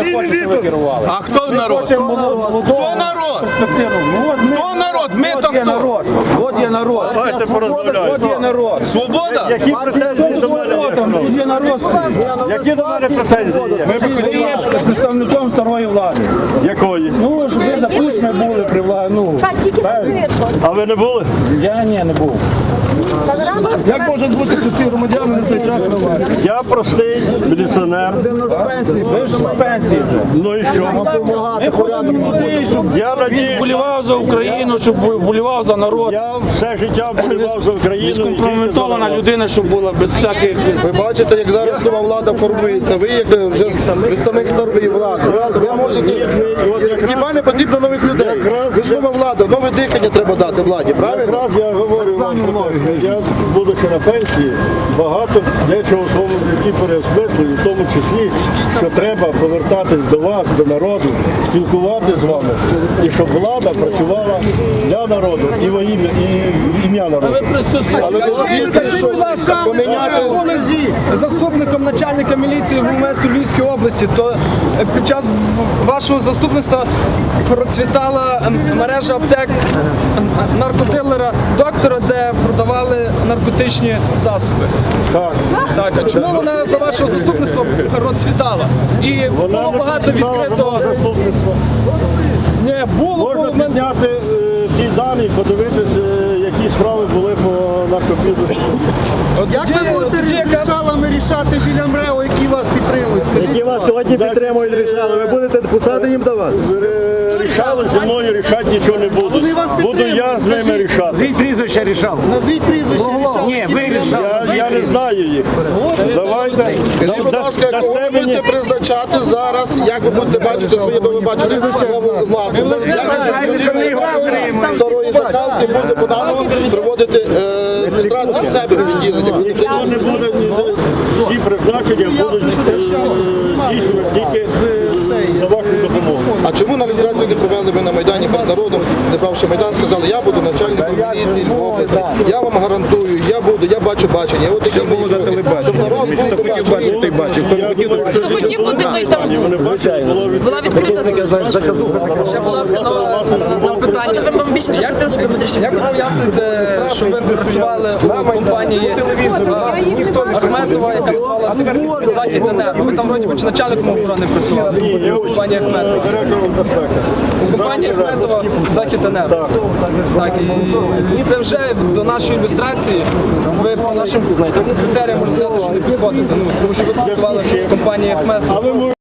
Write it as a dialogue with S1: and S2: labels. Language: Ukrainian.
S1: хоче, щоб ви керували.
S2: А хто народ? Хто народ? Хто народ? Ми то хто?
S1: От є народ.
S3: Давайте порозмовляємо.
S1: От є народ.
S2: Свобода?
S3: Які претензії до мене?
S1: Тут є народ.
S3: Які до мене претензії є?
S1: Ви є представником старої влади.
S3: Якої?
S1: Ну, ж ви запущені були при владі. Ну,
S4: Тільки швидко.
S3: А ви не були?
S1: я не був.
S4: Як може бути
S1: Ті громадяни на той час на владі.
S3: Я простий міліціонер.
S1: Ви ж з пенсії вже.
S3: Ну і що?
S1: Ми хочемо людей, щоб
S3: Я надію,
S1: вболівав за Україну, щоб вболівав за народ.
S3: я все життя вболівав за Україну.
S1: Скомпрометована людина, щоб була без всяких...
S5: Ви бачите, як зараз нова влада формується. Ви як вже представник старої влади. Ви можете... Хіба не потрібно нових людей? Ви ж нова влада, нове дихання треба дати владі, правильно?
S3: Якраз я говорю вам про те, я, будучи на пенсії, багато дечого в своєму житті переосмислюю, в тому числі, що треба повертатись до вас, до народу, спілкуватися з вами, і щоб влада працювала для народу і во ім'я, і ім'я народу.
S6: Скажіть, будь ласка, ви були заступником начальника міліції ГУМС Львівської області, то під час вашого заступництва процвітала мережа аптек наркодилера доктора, де продавали наркотичні засоби.
S3: Так.
S6: Так, а чому вона за вашого заступництва процвітала? І було багато відкритого... Ні, було
S3: Можна підняти ті дані, подивитися, які справи були по наркобізнесу.
S7: Як ви будете рішалами рішати біля МРЕО, які вас підтримують?
S3: Які вас сьогодні підтримують, рішали, ви будете посади їм давати? Рішали зі мною, рішати нічого не буду. Буду я з ними рішати.
S1: Назвіть прізвище рішав.
S7: Назвіть прізвище рішали.
S1: Ні, ви рішали.
S3: Я не знаю їх. Давайте.
S5: Скажіть, будь ласка, кого ви будете призначати зараз, як ви будете бачити своє, бо ви бачите нову владу? Як старої закалки буде по-новому приводити адміністрацію в себе в відділення?
S3: Ніхто не буде, ці призначення будуть дійсно тільки за вашу допомогу.
S5: А чому на реєстрацію не провели ви на Майдані перед народом, зібравши Майдан, сказали, я буду начальником міліції в області, я вам гарантую, я бачу бачення. От такі мої вимоги. Щоб народ був
S4: Хто хотів бути, той там була відкрита.
S6: Ще, будь ласка, на питання. Як ви поясните, що ви працювали у компанії Ахметова, яка називалася «Захід Енерго»? Ви там, вроді, чи начальником охорони працювали у компанії Ахметова? У компанії Ахметова «Захід Енерго». Так, і це вже до нашої ілюстрації, ви по нашим критеріям можете сказати, що не підходите, тому що ви працювали в компанії Ахметова.